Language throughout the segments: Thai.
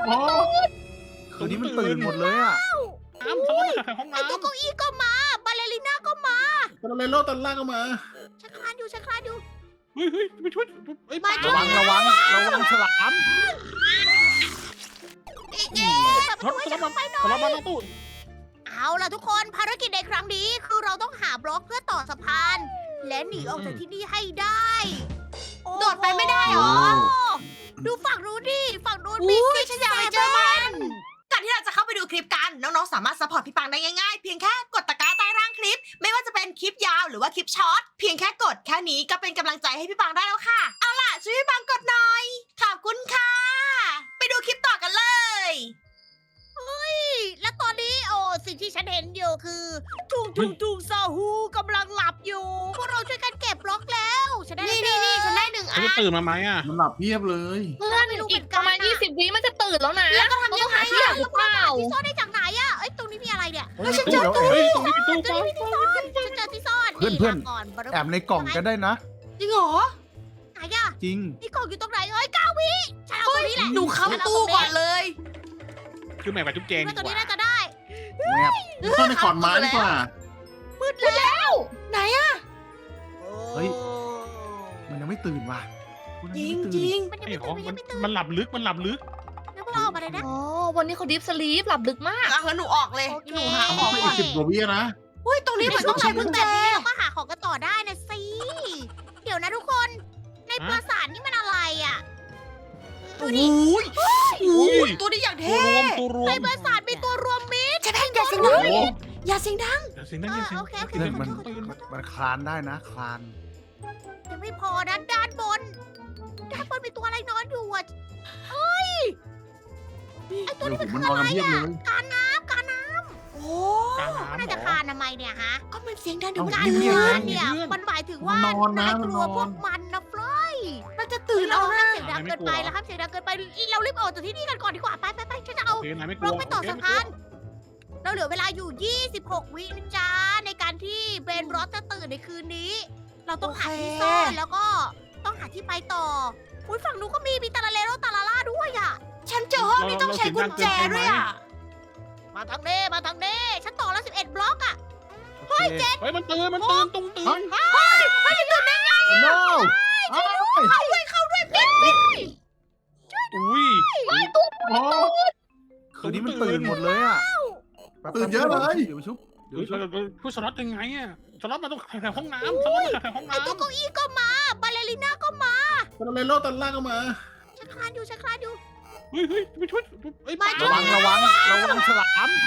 อ๋อตัวนี้มันตื่นหมดเลยอ่ะน้ำเขามาจากห้องไอ้ตัวน้ำเก้าอี้ก็มาบาเลริน่าก็มาตอนเลโลตอนล่างก็มาฉันคลานอยู่ฉันคลานอยู่เฮ้ยไปช่วยไอ้ปลาระวังฉลามเย้เปิดประตูให้ฉันออกไปหน่อยสลับมาหน้าตู้เอาล่ะทุกคนภารกิจในครั้งนี้คือเราต้องหาบล็อกเพื่อต่อสะพาน และหนีออกจากที่นี่ให้ได้โดดไปไม่ได้เหรอดูฝั่งนู้นดิฝั่งนู้นอุ้มียฉันอยากไปเจอมันก่อนที่เราจะเข้าไปดูคลิปกัน น้องๆ สามารถซัพพอร์ตพี่ปังได้ง่ายๆ เพียงแค่กดตะกร้าใต้ล่างคลิป ไม่ว่าจะเป็นคลิปยาวหรือว่าคลิปช็อต เพียงแค่กดแค่นี้ก็เป็นกำลังใจให้พี่ปังได้แล้วค่ะ เอาล่ะช่วยพี่ปังกดหน่อย ขอบคุณค่ะ ไปดูคลิปต่อกันเลยและตอนนี้สิ่งที่ฉันเห็นอยู่คือทุงซาฮูกำลังหลับอยู่พวกเราช่วยกันเก็บบล็อกแล้วฉันได้นี่ฉันได้หนึ่งอัเขานจะตื่นมาไหมอ่ะมันหลับเพียบเลยเพื่อนอีกประมาณ20 วิมันจะตื่นแล้วนะแล้วก็ทำยังไงที่อยากหรือเปล่าที่ซ่อนได้จากไหนอะเอ้ยตรงนี้มีอะไรเนี่ยเฮ้ยฉันเจอตู้เฮ้ยตรงนี้มีตู้ฉันปลามีที่ซ่อนฉันเจอที่ซ่อนเพื่อนมาก่อนบาร์แอบในกล่องก็ได้นะจริงเหรอไหนอะจริงนี่กล่องอยู่ตรงไหนเอ้ย9 วิฉันเอาตรงนี้แหละหนูเข้าตู้ก่อนเลยคือแม่กับจุ๊บแจงว่าดีตัวกนี้ว่าน่าจะได้แงบซ่อนในขอนไม้ดีกว่ามืดแล้วไหนอะเฮ้ย มันยังไม่ตื่นว่ะคุณจยัริงงไม่จตื่นริงมันยังไอ้ไม่ขตื่อน งมันยังไม่ตื่นมันหลับลึกแล้วพวกเราออกมาเลยนะอ๋อ วันนี้เขาดิฟสลีปหลับลึกมากอ่ะงั้นหนูออกเลยโอเคหนูหาของไม่ก่อีอนก10 กว่าวินะอุ้ยตรงนี้เหมือนต้องใช้กุญแจเราก็หาของกันต่อได้นะสิ เดี๋ยวนะทุกคน ในปราสาทนี่มันอะไรอ่ะ ดูดิอุ้ยอุ้ยตัวนี้อย่างตัวเท่รวมตัวรวในมปราสาทมีตัวรวมมิตรใช่ไหมอย่าเสียงดังโอ้โหอย่าเสียงดังเดี๋ยวเสียงนั่นเสียงโอเคโอเคเพื่อนมันขอโทษมันคลานได้นะคลานยังไม่พอนะด้านบนมีตัวอะไรนอนอยู่อ่ะเฮ้ย ไอตัวเดี๋ยวนี้ผมันมคืมันอนอนอะไรกันเพียบเลอ่ะยการน้ำโอ้กลางน่าน้ำจะเหรคาอนทำไมเนี่ยฮะก็มันเสียงดังเดี๋ยวมันการตื่เงียบคาๆนเนี่ยมันหมายถึงว่านายกลัวพวกมันนะฟลอยมันจะตื่นเราเอาห้านะมเสียงดังเกินไปแล้วห้ามเสียงดังเกินไปเรารีบออกจากที่นี่กันก่อนดีกว่าไปฉันจะเอาโอเคนายไม่กบลัล็อวกไปต่อสะพาน เราเหลือเวลาอยู่ 26 วินะจ๊ะในการที่เบนรอสจะตื่นในคืนนี้ เราต้องหาที่ซ่อนแล้วก็ต้องหาที่ไปต่ออุ้ยฝั่งนู้นก็มีตาลาเลโรตาลาล่าด้วยอ่ะฉันเจอห้องที่ต้องใช้กุญแจด้วยอ่ะมาทางเน่ฉันต่อแล้ว11 บล็อกอ่ะเฮ้ยเจ๊เฮ้ยมันตื่นตรงตื่นโน้อุ้ยอ๋อตัวนี้มันตื่นหมดเลยอ่ะตื่นเยอะเลยเดี๋ยวชุบเดี๋ยวพูดสล็อตยังไงอ่ะสล็อตมาตรงแถวห้องน้ำสล็อตมาแถวห้องไอตัวน้ำเก้าอี้ก็มาบาเลริน่าก็มาตอนเลโลตอนล่างก็มาฉันคลานอยู่เฮ้ยไปช่วยไอ้ปลาระวังฉลาม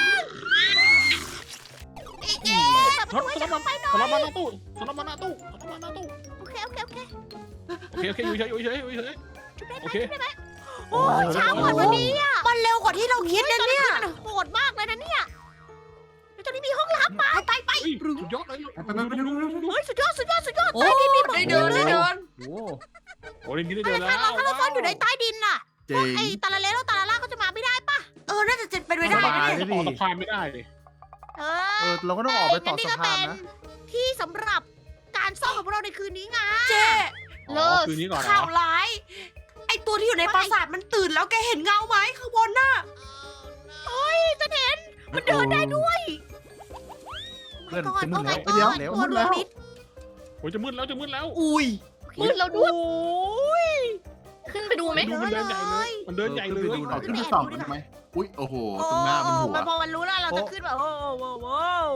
เย้แบบสล็อตช่วยสฉันล็อตเข้าไปหน่อยสล็อตมาหน้าตู้สล็อตมาหน้าตู้โอเคโอเคอยู่เฉยชุบได้ไหโอมเคชุบได้ไหมโอ้ยเช้ากว่าวันนี้อ่ะมันเร็วกว่าที่เราคิดนะเนี่ยมันโหดมากเลยนะเนี่ยแล้วตอนนี้มีห้องลับมาสุดยอดเลยไปดูเฮ้ยสุดยอดโอ้ได้เดินโอ้โอ้ยนี่ได้ถ้าเดินแล้วเราซ่อนอยู่ในใต้ดินน่ะเจ๋งไอ้ตาลาเลโรตาลาล่าก็จะมาไม่ได้ปะน่าจะเป็นไปได้นะเนี่ยต่อสะพานไม่ได้เลยเอเราก็ต้องออกไปต่องั้สะพานนะที่สำหรับการซ่อนของพวกเราในคืนนี้ไงเจ๊เลิศคืนนี้ก่อนข่าวร้าย ไอตัวที่อยู่ในปราสาทมันตื่นแล้วแกเห็นเงาไหมข้างบนน่ะจะเห็นมันเดินได้ด้วยเพื่อนก่อนจะมืดโอ้แล้ว my เดี๋ยว god ตัวรวมมิตรโอ้ยจะมืดแล้วอุ้ยมืดแล้วด้วยโอ้ยขึ้นไปดูไหมมันเดินใหญ่เลยมันเดินใหญ่เลยเอาขึ้นไปส่องกันไหมอุ้ยโอ้โหตรงหน้ามันหัวพอมันรู้แล้วเราจะขึ้นแบบโอ้โห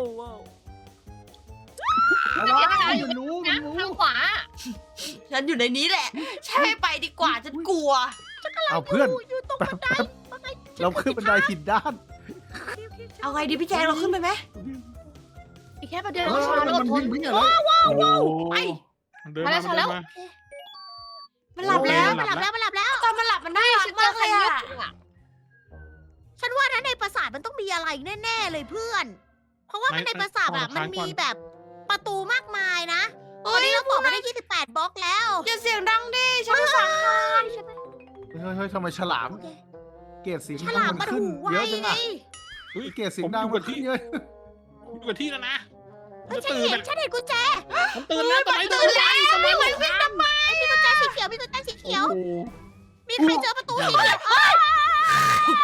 มันรู้นะทางขวาฉันอยู่ในนี้แหละ ใช่ไปดีกว่าฉันกลัวเอาเพื่อนอยู่ตรงบันไดเราขึ้นบันไดผิดด้านเอาไงดีพี่แจงเราขึ้นไปไหมอีกแค่ประเดี๋ยวเออช้าแล้วมันทนวิ่งอะไรไปมันเดินมามันหลับแล้วมันหลับแล้วตอนมันหลับมันน่ารักฉันเจมาอก ใคเลรยเลืออ่ะดอ่ะฉันว่านะในปราสาทมันต้องมีอะไรแน่ๆเลยเพื่อน เพราะว่ามันในปราสาทอะมันมีแบบประตูมากมายนะตอนนี้เราต่อมาได้28 บล็อกแล้วอย่าเสียงดังดิฉันรู้สึกเฮ้ยทำไมฉลามโอเคเกรดเสียงฉดัลาง มมัมัน นขึ้นหูไวเยอะจังไงอะเกรดเสียงดังมันขึ้นเยอะอยู่กับที่แล้วนะเฮ้ยฉันเห็นกุญแจมันตื่นแล้วทำไมตื่นแล้วทำไมมันวิ่งทำไมมีกุญแจสีเขียวโอ้โหมีใครเจอประตูสีเขียว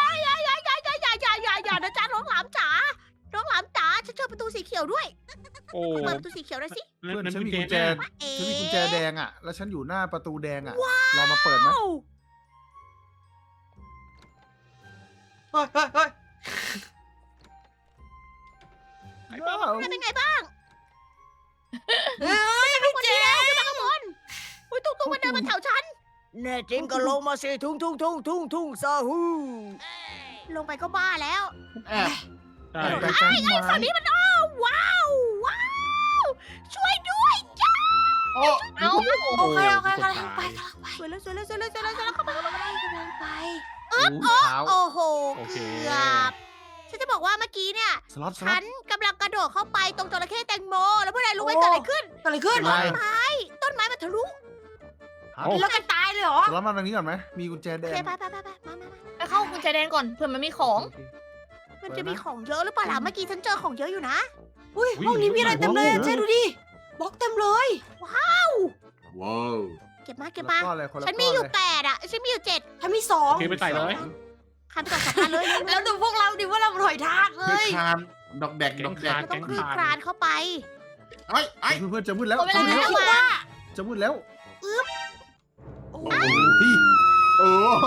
อ้เปิดประตูสีเขียวหน่อยสิเพื่อนฉันมีกุญแจเอ๊ะฉันมีกุญแจแดงอ่ะ แล้วฉันอยู่หน้าประตูแดงอ่ะรอมาเปิดไหมเฮ้ยเฮ้ยเฮ้ยไอ้บ้าเป็นไงบ้างเฮ้ยพี่เจขึ้นมาข้างบนอุ้ยตุ้งมันเดินมาแถวฉันแน่จริงก็ลงมาสิทุ่งซาฮูลงไปก็บ้าแล้วแอบใช่ไปกันไหมฝั่งนี้มันว้าวช่วยด้วยจ้าโอ้เอ้าโอเคโอเคกำลังไปกำลังไปสวยแล้วเข้าไปกำลังไปโอ้เท้าโอ้โหโอเคเกือบฉันจะบอกว่าเมื่อกี้เนี่ยสล็อตฉันกำลังกระโดดเข้าไปตรงจระเข้แตงโม แล้วพวกนายรู้ไหมเกิดอะไรขึ้นเกิดอะไรขึ้นเป็นไรต้นไม้มันทะลุแล้วกันตายเลยเหรอสล็อตมาทางนี้ก่อนไหมมีกุญแจแดโอเคงไปมาไปเข้ากุญแจแดงก่อนเผื่อมันมีของมันจะมีของเยอะหรือเปล่าล่ะเมื่อกี้ฉันเจอของเยอะอยู่นะอุ้ยห้องนี้มีอะไรเต็มเลยอะเจ๊ดูดิบล็อกเต็มเลยว้าวเก็บมาคนละก้อนเลยคนละฉันมีอยู่ก้ 8 อ่ะ ฉันมีอยู่ 7 ถ้ามีสองโอเคไปใส่เลยคันไปก่อน2 คันเลยแล้วดูพวกเราดิว่าเราหน่อยทากเลคือย คานดอกแดกดอกแดกต้องคลือคลานเข้าไปไอ้ไอ้เพื่อนๆจะมืดแล้วหมดเวลาจะมืดแล้แล้ววว่าจะมืดแล้วโอ้โหโอ้พี่โอ้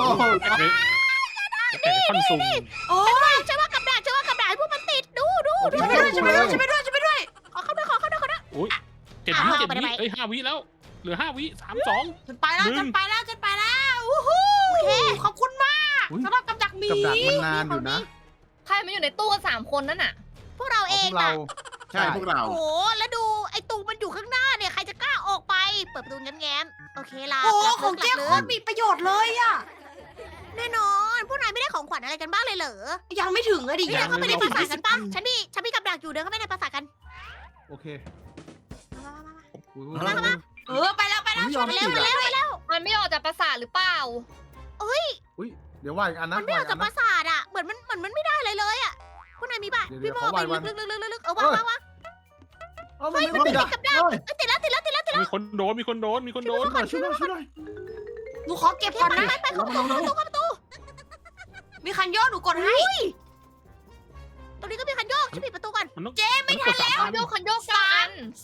แต่คอนซูมโอ้ฉันว่ากับดักให้พวกมันติดดูช่วยไปด้วยช่วยไปด้วยช่วยไปด้วยช่วยไปด้วยขอเข้าด้วยอุ้ย7 วิ 7 วิเอ้ย5 วิแล้ว เหลือ 5 วิ 3 2 ฉันไปแล้วฉันไปแล้ววู้ฮู้ขอบคุณมากอุ๊ยสำหรับกับดักหมีกับดักมันนานอยู่นะใครมาอยู่ในตู้กัน3 คนนั่นน่ะพวกเราเอพงวกเราน่ะใช่พวกเราโอ้โห แล้วดูไอ้ตูมันอยู่ข้างหน้าเนี่ย ใครจะกล้าออกไป เปิดประตูแง้มๆโอเคล่ะโอ้กลับของเจ๊กลับโคตรมีประโยชน์เลยอะแน่นอน พวกนายไม่ได้ของขวัญอะไรกันบ้างเลยเหรอยังไม่ถึงอะดิเดินเข้าไปในปราสาทกันปะฉันมีกับดักอยู่เดินเข้าไปในปราสาทกันโอเคมาอุ๊ยไปแล้วมันไม่ยอมไปติดเร็วอ่ะมันไม่ออกจากปราสาทหรือเปล่าอุ้ยเดี๋ยวว่าอีกอันนะมันไม่ออกจากปราสาทอ่ะ เหมือนมันไม่ได้เลยอ่ะพวกนายมีป่ะเดี๋พี่ยวโมเขาไปวางลึกๆเอาวางเอ้ามันไม่ติดอ่ะกับดักติดแล้วมีคนโดนช่วยหน่อยหนูขอเก็บก่อนนะไปเข้าประตูมีคันย่อหนูกดให้ตรงนี้ก็มีคันโยกฉันปิดประตูก่อนมันต้องไม่ทันแล้วคันโยกกัน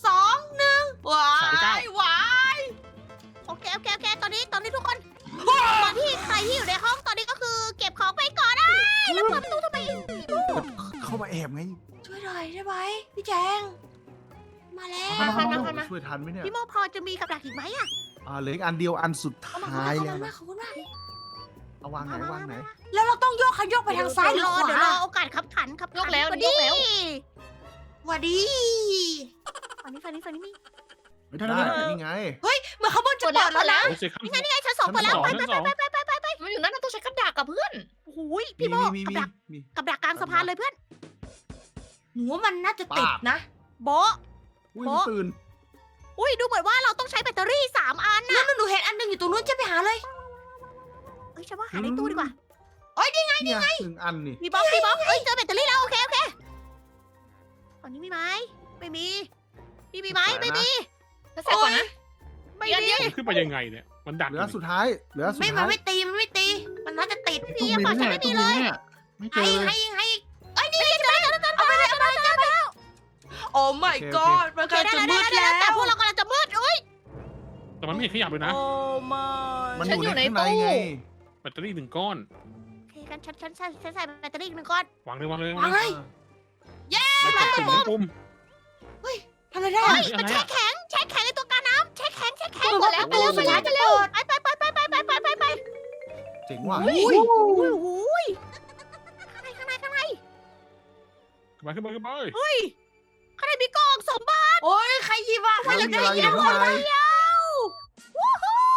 2 1ว้ายโอเคตอนนี้ทุกคนตอนที่ใครที่อยู่ในห้องตอนนี้ก็คือเก็บของไปก่อนได้แล้วเปิดประตูทำไมเข้ามาแอบไงช่วยหน่อยได้ไหมพี่แจง มาแล้วช่วยทันไหมเนี่ยพี่โมพอจะมีกับดักอีกไหมอ่ะเหลืออีกอันเดียวอันสุดเอามาท้ายขอบแล้วคุณมานะกขอบคุณมากเอาวางไหนแล้วเราต้องโยกคันโยกไปทางซ้ายหรือขเดี๋ยวรวาอโอกาสขับขันยกแล้วพอยดีกแล้วหวัดดีฝั่งนี้มีไม่ทันได้แล้วนี่ไงเหมือนขบวนจะเปิดเปิแล้วดเปิแล้วนะดแล้วโอ้ยเซคันนี่ไงชั้น 2เปิดแล้วชั้นสองมันอยู่นั่นนะต้องใช้กระดาษกับเพื่อนโอ้โหพี่โมกับดักกลางสะพานเลยเพื่อนหนูว่ามันน่าจะติดนะโบ๊ะอุ้ยตื่นอุ้ยดูเหมือนว่าเราต้องใช้แบตเตอรี่3 อันนั่นหนูเห็นอันหนึงอยู่ตรงนู้นจะไปหาเลยเอ้ยฉันว่าหาในตู้ดีกว่าเนี่ย1 อันนี่มีบล็อกเอ้ยเจอแบตเตอรี่แล้วโอเคฝั่งนี้มีไหมไม่มีนี่มีไหมไม่มีแล้วใส่ก่อนนะไม่อีกอันเดีมียวมันขึ้นไปยังไงเนี่ย มันดันเหลือสุดท้ายเหลือสุดไม่ท้ายมันไม่ตีมันน่าจะติดตุ้มมีเนี่ยตุ้มมีเนี่ยไม่เจให้อให้เอ้ยนี่เจอเอาไปเลยโอ้ my god มันโอเคกำลังได้จะมืดแล้วแล้วแต่พวกเรากำลังจะมืดเอ้ยแต่มันไม่เห็นขยับเลยนะโอ้มามันอยู่ในข้างในไงแบตเตอรี่1 ก้อนโอเคกันฉันใส่แบตเตอรี่อีก1 ก้อนวางเลยวางเลยวางเลยแล้วกดปุ่มทำอะไรได้เฮ้ยมันแช่แข็งไอตัวกาน้ำแช่แข็งหมดแล้วไปแล้วไปเจ๋งว่ะอุ้ยข้างในขึ้นมาขึ้นมาเฮ้ยข้างในมีกล่องสมบัติโอ้ยใครหยิบอ่ะแล้วมีอะไรอยู่ข้างในวู้ฮู้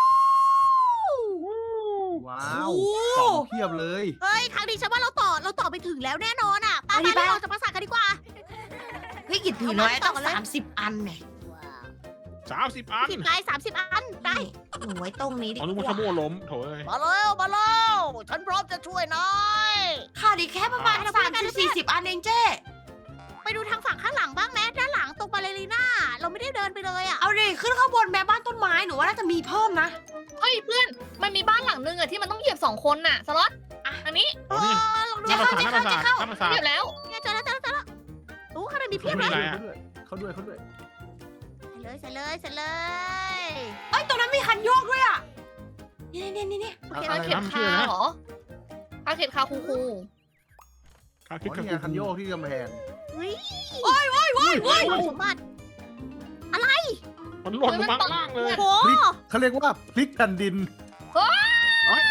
ว้าวกล่องเพียบเลยเฮ้ยครั้งนี้ฉันว่าเราต่อไปถึงแล้วแน่นอนอ่ะไปเราจะมาสั่งกันดีกว่าเฮ้ยกินผีน้อยต้อง30 อันเนี่ย 30 อัน 10 ลาย30 อันได้หนูไว้ตรงนี้ดีอ๋อนึกกว่าขว่าโมยล้มโถ่เอ้ยมาแล้วฉันพร้อมจะช่วยนายค่ะดีแค่ประมาณ30-40 อันเองเจ้ไปดูทางฝั่งข้างหลังบ้างแม้ด้านหลังตรงบาเลรีน่าเราไม่ได้เดินไปเลยอ่ะเอาดิขึ้นข้างบนแม่บ้านต้นไม้หนูว่าน่าจะมีเพิ่มนะเฮ้ยเพื่อน มันมีบ้านหลังนึงอะที่มันต้องเหยียบ2 คนน่ะ สล็อตอันนี้อ๋อนี่ลองดูหน้าประสาทหน้าประสาทหน้าประสาทเหยียบแล้วเนี่ยเจอแล้วโอ้ข้างในมีเพียบไม่เลมียอะไรอะเขาด้วยเขาด้วยใส่เลยเอ้ยตรงนั้นมีคันโยกด้วยอ่ะนี่โอเคคาเข็ดคาเหรอคาเข็ดคาคูคูคาอ๋คิดอกับนี่ไงคันโยกที่กำแพงเฮ้ยโอ้ยสมบัติมันหล่นลงมาข้างล่างเลยโอ้เขาเรียกว่าพลิกแผ่นดินเอ้ย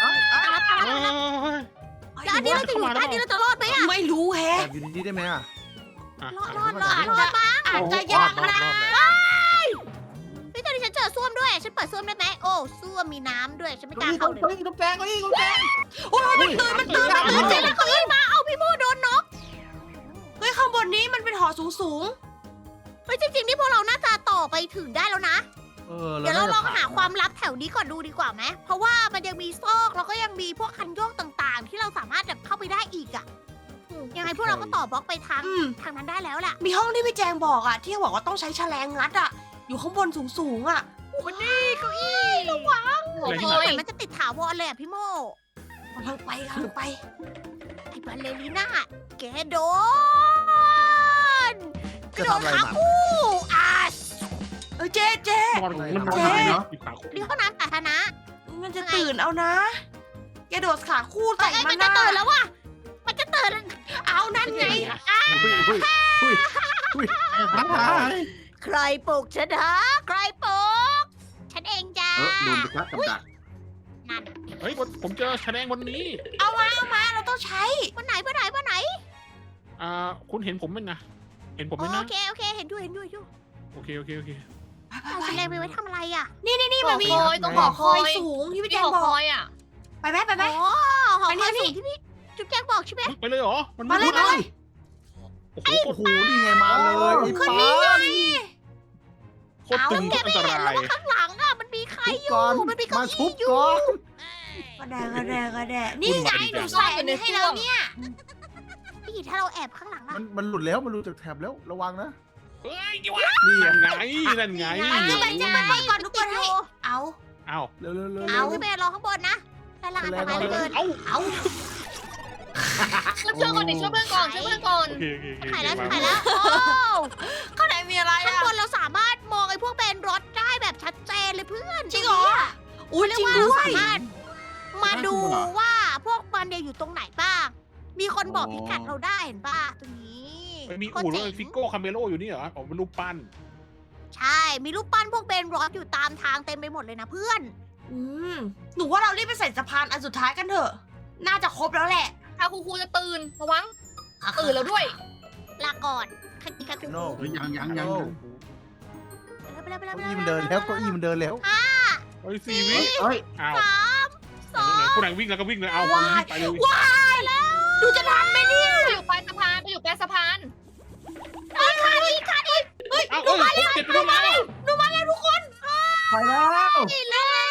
แล้วอันนี้เราจะอยู่ใต้นี้เราจะรอดไหมอะไม่รู้แฮะแอบอยู่ดีๆได้ไหมอ่ะรอดปะอาจจะรยาอก ดนะเลยพี่ตอนนี้ฉันเจอส้วมด้วย ฉันเปิดส้วมได้ไหมโอ้ส้วมมีน้ำด้วย ฉันไม่กล้านี่เข้าเขาเลยกำแพงก็นี่กำแพงโอ้ยมันตื่นเจอแล้วเขาอี้มาเอาพี่โมโดนนกเฮ้ยข้างบนนี้มันเป็นหอสูงเฮ้ยจริงๆนี่พวกเราน่าจะต่อไปถึงได้แล้วนะแล้เดี๋ยวเราลองหาความลับลับแถวนี้ก่อนดูดีกว่าไหมเพราะว่ามันยังมีซอกแล้วก็ยังมีพวกคันโยกต่างๆ ที่เราสามารถแบบเข้าไปได้อีกอะยังไงพวกเราก็ต่อบล็อกไปทางนั้นได้แล้วแหละมีห้องที่พี่แจงบอกอ่ะที่บอกว่าต้องใช้แฉลงงัดอ่ะอยู่ข้างบนสูงอ่ะวันนี้เก้าอี้ระวังโอ้โอ้โหโหแต่มันจะติดถาวรเลยอะพี่โมกำลังไปไอ้บัลเลริน่าแกโดนกจะระโดดทำอะไรขามันคู่อ่ะเจ๊มันมันนอนทำไมเนาะอยู่ขาคุกนี่ห้องน้ำสาธารณะมันจะตื่นเอานะแกโดดขาคู่ใส่เอ้ยมัมัน นจะนะตื่นแล้วว่ะมันจะตื่นเอานั่นไงทั้งหลายใครปลุกฉันฮะใครปลุกฉันเองจ้าโดนไปครับกับดักนั่นเฮ้ยผมเจอแฉลงวันนี้เอามาเราต้องใช้วันไหนคุณเห็นผมไหมนะเห็นผมไหมโอนะเคเห็นอยู่โอเคเอาแฉลงไปไว้ทำอะไรอ่ะนี่มันมีหอคอยต้องหอคคออยยสูงที่พี่แจที่งหอบอคกอยอ่ะไปไหมอ๋อหอไปคอยนี่สูงที่พี่จุ๊บแจ๊กบอกใช่ไหมไปเลยเหรอมันมาเลยโอ้โหโอ้โหนี่ไงมาเลยไอ้ขึ้นป้านี่ไงโคตรตึงโคตรอันตรายข้างหลังอ่ะมันมีใครอยู่ก่อนมันมีเก้ามาชุอี้บอยู่ก่อนกระแดะนี่ไงหนูใส่อันนี้ให้แล้วเนี่ยพี่ถ้าเราแอบข้างหลังอ่ะมันหลุดแล้วมันหลุดจากแถบแล้วระวังนะเฮ้ยนี่ไงนั่นไงขึ้นไปจะมาก่อนทุกคนให้เอาเอ้าเร็วๆเอาขึ้นไปรอข้างบนนะด้านล่างอันตรายเหลือเกินเอ้าเอาช่วยเพื่อนก่อนดิช่วยเพื่อนก่อนช่วยเพื่อนก่อนโอเคถ่ายแล้วโอ้ข้างในมีอะไรข้างอ่ะบนเราสามารถมองไอ้พวกเป็นรถได้แบบชัดเจนเลยเพื่อนจริงเหรออุ้ยเรียจกริงว่าเราด้วยสามารถมาดูว่าพวกมันเนี่ยอยู่ตรงไหนบ้าง มีคนบอกพิกัดเราได้เห็นป่ะตรงนี้มีอู่รถฟิโก้คาเมโลอยู่นี่เหรออ๋อเป็นรูปปั้นใช่ มีรูปปั้นพวกเบนรอสอยู่ตามทางเต็มไปหมดเลยนะเพื่อนหนูว่าเรารีบไปใส่สะพานอันสุดท้ายกันเถอะ น่าจะครบแล้วแหละคาคูคูจะตื่นระวังตื่นแล้วด้วยลาก่อนคันคันคูโน่เฮ้ยยังโน่ไปแล้วเก้าอี้มันเดินแล้วเก้าอี้มันเดินแล้วเฮ้ย4 วิเฮ้ยอ้าวสองผู้ไหนวิ่งแล้วก็วิ่งเลยเอาไปเลยดูจะทันไหมเนี่ยไปอยู่ปลายสะพานไปอยู่ปลายสะพานเอาผมเจ็บไปแล้วไปแล้วนี่เลย